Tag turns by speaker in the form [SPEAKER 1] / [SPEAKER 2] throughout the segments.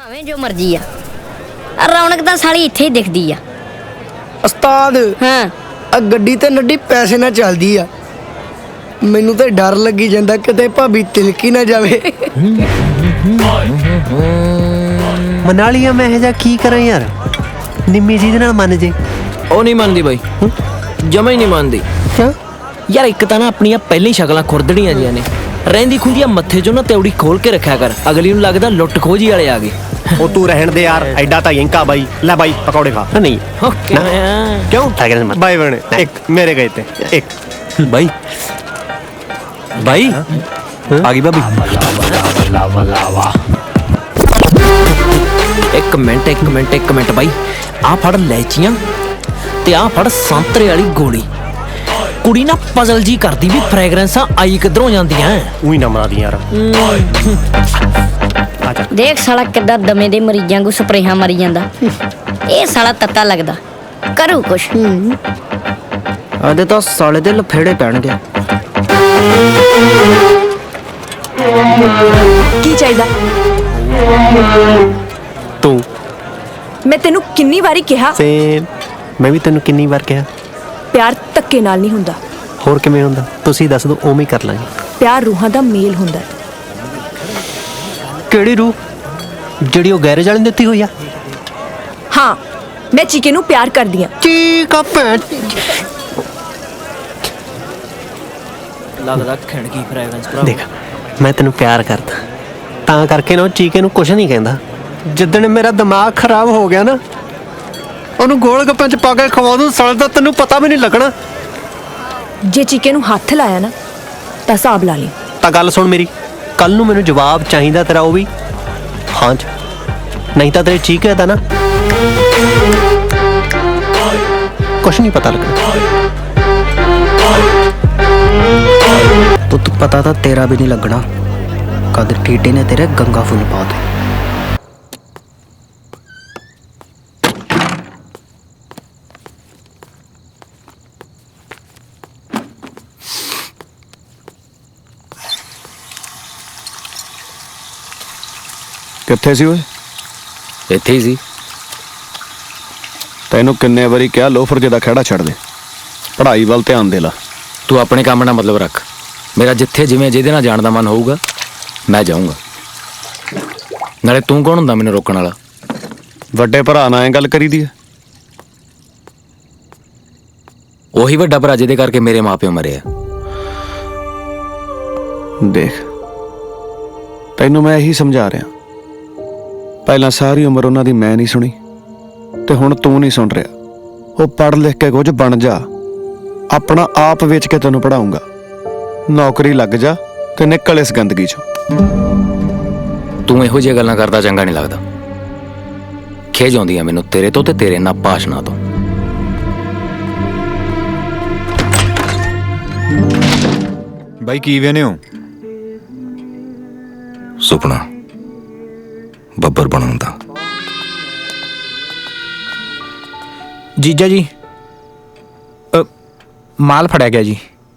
[SPEAKER 1] ਭਾਵੇਂ ਜੋ ਮਰਜ਼ੀ ਆ, ਰੌਣਕ ਤਾਂ ਸਾਲੀ ਇੱਥੇ ਹੀ ਦਿਖਦੀ ਆ।
[SPEAKER 2] ਉਸਤਾਦ
[SPEAKER 1] ਹਾਂ
[SPEAKER 2] ਆ ਗੱਡੀ ਤੇ ਨੱਡੀ ਪੈਸੇ ਨਾਲ ਚੱਲਦੀ ਆ, ਮੈਨੂੰ ਤਾਂ ਡਰ ਲੱਗੀ ਜਾਂਦਾ ਕਿਤੇ ਭਾਬੀ ਤਿਲਕੀ ਨਾ ਜਾਵੇ।
[SPEAKER 3] ਮਨਾ ਲਿਆ ਮੈਂ ਇਹ ਜਾ ਕੀ ਕਰਾਂ ਯਾਰ, ਨਿੰਮੀ ਜੀ ਦੇ ਨਾਲ ਮੰਨ ਜੇ।
[SPEAKER 4] ਉਹ ਨਹੀਂ ਮੰਨਦੀ ਬਾਈ, ਜਮਾ ਹੀ ਨਹੀਂ ਮੰਨਦੀ।
[SPEAKER 3] ਕਿਉਂ
[SPEAKER 4] ਯਾਰ ਇੱਕ ਤਾਂ ਨਾ ਆਪਣੀਆਂ ਪਹਿਲਾਂ ਹੀ ਸ਼ਕਲਾਂ ਖੁਰਦੜੀਆਂ ਜੀਆਂ ਨੇ, ਰਹਿੰਦੀ ਖੁੰਦੀਆਂ ਮੱਥੇ 'ਚੋਂ ਨਾ ਤੇਉੜੀ ਖੋਲ ਕੇ ਰੱਖਿਆ ਕਰ, ਅਗਲੀ ਨੂੰ ਲੱਗਦਾ ਲੁੱਟ ਖੋਜੀ ਵਾਲੇ ਆ ਗਏ।
[SPEAKER 5] ਉਹ ਤੂੰ ਰਹਿਣ ਦੇ ਯਾਰ, ਐਡਾ ਤਾਂ ਯੰਕਾ ਬਾਈ। ਲੈ ਬਾਈ ਪਕੌੜੇ ਖਾ।
[SPEAKER 3] ਨਹੀਂ
[SPEAKER 4] ਓਕੇ
[SPEAKER 5] ਕਿਉਂ ਬਾਈ ਬਣੇ ਇੱਕ ਮੇਰੇ ਗਏ ਤੇ ਇੱਕ
[SPEAKER 4] ਬਾਈ ਬਾਈ ਆ ਗਈ ਭਾਬੀ। ਇੱਕ ਮਿੰਟ ਬਾਈ, ਆਹ ਫੜ ਲੈਚੀਆਂ ਤੇ ਆਹ ਫੜ ਸੰਤਰੇ ਵਾਲੀ ਗੋਲੀ। ਕੁੜੀ ਨਾ ਪਜ਼ਲ ਜੀ ਕਰਦੀ ਵੀ ਫ੍ਰੈਗਰੈਂਸਾਂ ਆਈ ਕਿੱਧਰੋਂ ਜਾਂਦੀਆਂ।
[SPEAKER 5] ਉਹੀ ਨਾ ਮਾਰੀ ਯਾਰ।
[SPEAKER 1] ਦੇਖ ਸਾਲਾ ਕਿੱਦਾਂ ਦਮੇ ਦੇ ਮਰੀਜ਼ਾਂ ਨੂੰ ਸਪਰੇਹਾਂ ਮਾਰੀ ਜਾਂਦਾ। ਇਹ ਸਾਲਾ ਤੱਤਾ ਲੱਗਦਾ, ਕਰੂ ਕੁਛ।
[SPEAKER 4] ਆਦੇ ਤਾਂ ਸਾਲੇ ਦੇ ਲਫੇੜੇ ਪੈਣਗੇ।
[SPEAKER 6] ਕੀ ਚਾਹੀਦਾ?
[SPEAKER 3] ਤੂੰ
[SPEAKER 6] ਮੈਂ ਤੈਨੂੰ ਕਿੰਨੀ ਵਾਰੀ ਕਿਹਾ,
[SPEAKER 3] ਸੇਮ ਮੈਂ ਵੀ ਤੈਨੂੰ ਕਿੰਨੀ ਵਾਰ ਕਿਹਾ,
[SPEAKER 6] ਪਿਆਰ ਧੱਕੇ ਨਾਲ ਨਹੀਂ ਹੁੰਦਾ।
[SPEAKER 3] ਹੋਰ ਕਿਵੇਂ ਹੁੰਦਾ ਤੁਸੀਂ ਦੱਸ ਦਿਓ, ਉਵੇਂ ਹੀ ਕਰ ਲਾਂਗੇ।
[SPEAKER 6] ਪਿਆਰ ਰੂਹਾਂ ਦਾ ਮੇਲ ਹੁੰਦਾ।
[SPEAKER 3] ਕਿਹੜੀ ਰੂਹ? ਜਿਹੜੀ ਉਹ ਗੈਰੇਜ ਵਾਲੇ ਨੇ ਦਿੱਤੀ ਹੋਈ ਆ?
[SPEAKER 6] ਹਾਂ, ਮੈਂ ਚੀਕੇ ਨੂੰ ਪਿਆਰ ਕਰਦੀ ਆ।
[SPEAKER 3] ਠੀਕ ਆ ਭੈਣ।
[SPEAKER 4] ਲੱਗਦਾ ਖਿੰਡਗੀ ਫ੍ਰੈਗਰੈਂਸ ਭਰਾ।
[SPEAKER 3] ਦੇਖ ਮੈਂ ਤੈਨੂੰ ਪਿਆਰ ਕਰਦਾ, ਤਾਂ ਕਰਕੇ ਨਾ ਉਹ ਚੀਕੇ ਨੂੰ ਕੁਛ ਨਹੀਂ ਕਹਿੰਦਾ। ਜਿੱਦਣ ਮੇਰਾ ਦਿਮਾਗ ਖਰਾਬ ਹੋ ਗਿਆ ਨਾ, ਉਹਨੂੰ ਗੋਲ ਗੱਪਾਂ 'ਚ ਪਾ ਕੇ ਖਵਾ ਦੂੰ, ਸਾਲ ਦਾ ਤੈਨੂੰ ਪਤਾ ਵੀ ਨਹੀਂ ਲੱਗਣਾ।
[SPEAKER 6] ਜੇ ਚੀਕੇ ਨੂੰ ਹੱਥ ਲਾਇਆ ਨਾ ਤਾਂ ਹਿਸਾਬ ਲਾ ਲਈ।
[SPEAKER 3] ਤਾਂ ਗੱਲ ਸੁਣ ਮੇਰੀ, ਕੱਲ ਨੂੰ ਮੈਨੂੰ ਜਵਾਬ ਚਾਹੀਦਾ ਤੇਰਾ, ਉਹ ਵੀ ਹਾਂ 'ਚ, ਨਹੀਂ ਤਾਂ ਤੇਰੇ ਚੀਕੇ ਦਾ ਨਾ ਕੁਛ ਨਹੀਂ ਪਤਾ ਲੱਗਣਾ।
[SPEAKER 7] ਪੁੱਤ ਪਤਾ ਤਾਂ ਤੇਰਾ ਵੀ ਨਹੀਂ ਲੱਗਣਾ, ਕਦ ਟੀਟੇ ਨੇ ਤੇਰੇ ਗੰਗਾ ਫੁੱਲ ਪਾ ਦੇ।
[SPEAKER 8] ਕਿੱਥੇ ਸੀ ਓਏ?
[SPEAKER 4] ਇੱਥੇ ਹੀ ਸੀ।
[SPEAKER 8] ਤੈਨੂੰ ਕਿੰਨੇ ਵਾਰੀ ਕਿਹਾ ਲੋਫਰ ਜਿਹਦਾ ਖਹਿੜਾ ਛੱਡ ਦੇ, ਪੜ੍ਹਾਈ ਵੱਲ ਧਿਆਨ ਦੇ ਲਾ।
[SPEAKER 4] ਤੂੰ ਆਪਣੇ ਕੰਮ ਨਾਲ ਮਤਲਬ ਰੱਖ, ਮੇਰਾ ਜਿੱਥੇ ਜਿਵੇਂ ਜਿਹਦੇ ਨਾਲ ਜਾਣ ਦਾ ਮਨ ਹੋਊਗਾ ਮੈਂ ਜਾਊਂਗਾ। ਨਾਲੇ ਤੂੰ ਕੌਣ ਹੁੰਦਾ ਮੈਨੂੰ ਰੋਕਣ ਵਾਲਾ?
[SPEAKER 8] ਵੱਡੇ ਭਰਾ ਨਾਲ ਐਂ ਗੱਲ ਕਰੀਦੀ ਹੈ?
[SPEAKER 4] ਉਹੀ ਵੱਡਾ ਭਰਾ ਜਿਹਦੇ ਕਰਕੇ ਮੇਰੇ ਮਾਪਿਓ ਮਰੇ ਆ।
[SPEAKER 8] ਦੇਖ ਤੈਨੂੰ ਮੈਂ ਇਹੀ ਸਮਝਾ ਰਿਹਾ, ਪਹਿਲਾਂ ਸਾਰੀ ਉਮਰ ਉਹਨਾਂ ਦੀ ਮੈਂ ਨਹੀਂ ਸੁਣੀ ਤੇ ਹੁਣ ਤੂੰ ਨਹੀਂ ਸੁਣ ਰਿਹਾ। ਉਹ ਪੜ੍ਹ ਲਿਖ ਕੇ ਕੁਝ ਬਣ ਜਾ, ਆਪਣਾ ਆਪ ਵੇਚ ਕੇ ਤੈਨੂੰ ਪੜ੍ਹਾਊਂਗਾ। ਨੌਕਰੀ ਲੱਗ ਜਾ ਤੇ ਨਿਕਲ ਇਸ ਗੰਦਗੀ ਚੋਂ।
[SPEAKER 4] ਤੂੰ ਇਹੋ ਜਿਹੀਆਂ ਗੱਲਾਂ ਕਰਦਾ ਚੰਗਾ ਨਹੀਂ ਲੱਗਦਾ। ਖੇਜ ਆਉਂਦੀ ਆ ਮੈਨੂੰ ਤੇਰੇ ਤੋਂ ਤੇ ਤੇਰੇ ਇਹਨਾਂ ਭਾਸ਼ਣਾਂ ਤੋਂ।
[SPEAKER 9] ਬਾਈ ਕੀ ਵੇਨੇ ਹੋ?
[SPEAKER 10] ਸੁਪਨਾ ਬੱਬਰ ਬਣਨ ਦਾ।
[SPEAKER 9] ਜੀਜਾ ਜੀ ਮਾਲ ਫੜਿਆ ਗਿਆ ਜੀ।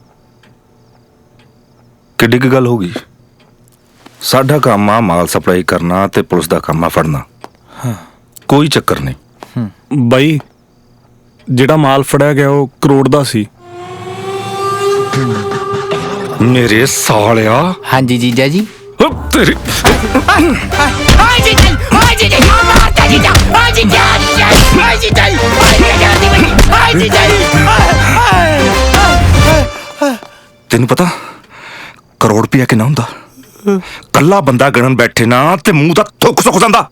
[SPEAKER 10] ਕਿੱਡੀ ਕੁ ਗੱਲ ਹੋ ਗਈ? ਸਾਡਾ ਕੰਮ ਆ ਮਾਲ ਸਪਲਾਈ ਕਰਨਾ ਤੇ ਪੁਲਿਸ ਦਾ ਕੰਮ ਆ ਫੜਨਾ। ਕੋਈ ਚੱਕਰ ਨਹੀਂ।
[SPEAKER 8] ਬਾਈ ਜਿਹੜਾ ਮਾਲ ਫੜਿਆ ਗਿਆ ਉਹ ਕਰੋੜ ਦਾ ਸੀ।
[SPEAKER 10] ਮੇਰੇ ਸਾਲਿਆ।
[SPEAKER 9] ਹਾਂਜੀ ਜੀਜਾ ਜੀ।
[SPEAKER 10] ਤੇਰੀ ਤੈਨੂੰ ਪਤਾ ਕਰੋੜ ਰੁਪਇਆ ਕਿੰਨਾ ਹੁੰਦਾ? ਕੱਲਾ ਬੰਦਾ ਗਣਨ ਬੈਠੇ ਨਾ ਤੇ ਮੂੰਹ ਦਾ ਥੁੱਕ ਸੁੱਕ ਜਾਂਦਾ।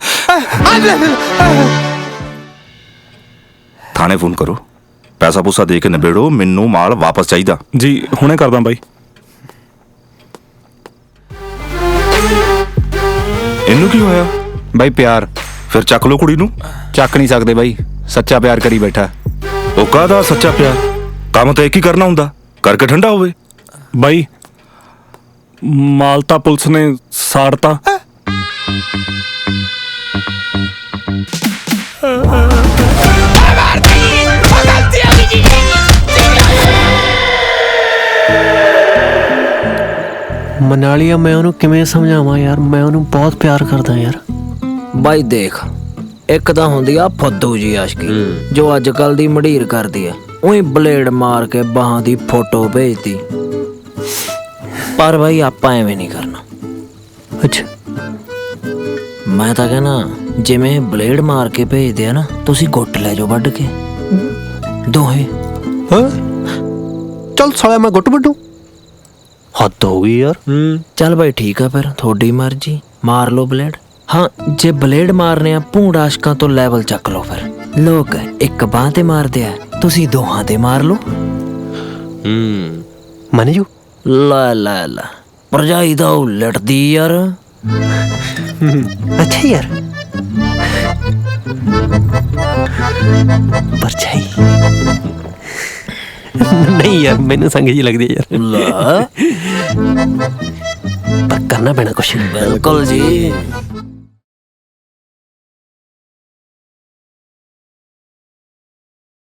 [SPEAKER 10] ਥਾਣੇ ਫੋਨ ਕਰੋ, ਪੈਸਾ ਪੂਸਾ ਦੇ ਕੇ ਨਿਬੇੜੋ, ਮੈਨੂੰ ਮਾਲ ਵਾਪਸ ਚਾਹੀਦਾ।
[SPEAKER 8] ਜੀ ਹੁਣੇ ਕਰਦਾ ਬਾਈ।
[SPEAKER 10] ਇਹਨੂੰ ਕੀ ਹੋਇਆ?
[SPEAKER 9] ਬਾਈ ਪਿਆਰ।
[SPEAKER 10] ਫਿਰ ਚੱਕ ਲੋ ਕੁੜੀ ਨੂੰ।
[SPEAKER 9] ਚੱਕ ਨਹੀਂ ਸਕਦੇ ਬਾਈ, ਸੱਚਾ ਪਿਆਰ ਕਰੀ ਬੈਠਾ।
[SPEAKER 10] ਉਹ ਕਾਹਦਾ ਸੱਚਾ ਪਿਆਰ? ਕੰਮ ਤਾਂ ਇੱਕ ਹੀ ਕਰਨਾ ਹੁੰਦਾ, ਕਰਕੇ ਠੰਡਾ ਹੋਵੇ।
[SPEAKER 8] ਬਾਈ ਮਾਲ ਤਾਂ ਪੁਲਿਸ ਨੇ ਸਾੜਤਾ।
[SPEAKER 3] ਮਨਾਲੀਆ ਮੈਂ ਉਹਨੂੰ ਕਿਵੇਂ ਸਮਝਾਵਾਂ ਯਾਰ, ਮੈਂ ਉਹਨੂੰ ਬਹੁਤ ਪਿਆਰ ਕਰਦਾ ਯਾਰ,
[SPEAKER 4] ਬਾਈ ਦੇਖ, ਇੱਕ ਤਾਂ ਹੁੰਦੀ ਆ ਫੁੱਦੂ ਜੀ ਆਸ਼ਕੀ ਜੋ ਅੱਜ ਕੱਲ ਦੀ ਮੜੀਰ ਕਰਦੀ ਐ, ਉਹੀ ਬਲੇਡ ਮਾਰ ਕੇ ਬਾਹਾਂ ਦੀ ਫੋਟੋ ਭੇਜਦੀ। ਪਰ ਬਾਈ ਆਪਾਂ ਐਵੇਂ ਨਹੀਂ ਕਰਨਾ।
[SPEAKER 3] ਅੱਛਾ,
[SPEAKER 4] ਮੈਂ ਤਾਂ ਕਹਿਣਾ ਜਿਵੇਂ ਬਲੇਡ ਮਾਰ ਕੇ ਭੇਜਦੇ ਆ ਨਾ, ਤੁਸੀਂ ਗੁੱਟ ਲੈ ਜਾਓ ਵੱਢ ਕੇ ਦੋਹੇ।
[SPEAKER 3] ਹਾਂ ਚੱਲ ਸਾਲਿਆ ਮੈਂ ਗੁੱਟ ਵੱਢੂ, ਹੱਦ ਹੋ ਗਈ ਯਾਰ।
[SPEAKER 4] ਚੱਲ ਬਾਈ ਠੀਕ ਆ, ਫਿਰ ਤੁਹਾਡੀ ਮਰਜ਼ੀ, ਮਾਰ ਲਓ ਬਲੇਡ। ਹਾਂ ਜੇ ਬਲੇਡ ਮਾਰਨੇ ਆ ਭੂੰਡ ਆਸ਼ਕਾਂ ਤੋਂ ਲੈਵਲ ਚੱਕ ਲਓ। ਫਿਰ ਲੋਕ ਇੱਕ ਬਾਂਹ ਤੇ ਮਾਰਦੇ ਆ, ਤੁਸੀਂ ਦੋਹਾਂ ਤੇ ਮਾਰ ਲਓ।
[SPEAKER 3] ਮੰਨ ਜੂ।
[SPEAKER 4] ਲੈ ਲੈ ਲੈ, ਭਰਜਾਈ ਤਾਂ ਉਲਟਦੀ ਯਾਰ।
[SPEAKER 3] ਅੱਛਾ ਯਾਰ, ਪਰਛਾਈ ਨਹੀਂ ਯਾਰ, ਮੈਨੂੰ ਸੰਗ ਜੀ ਲੱਗਦੀ ਹੈ ਯਾਰ।
[SPEAKER 4] ਲੈ
[SPEAKER 3] ਪਰ ਕਰਨਾ ਪੈਣਾ ਕੁਛ।
[SPEAKER 4] ਬਿਲਕੁਲ ਜੀ।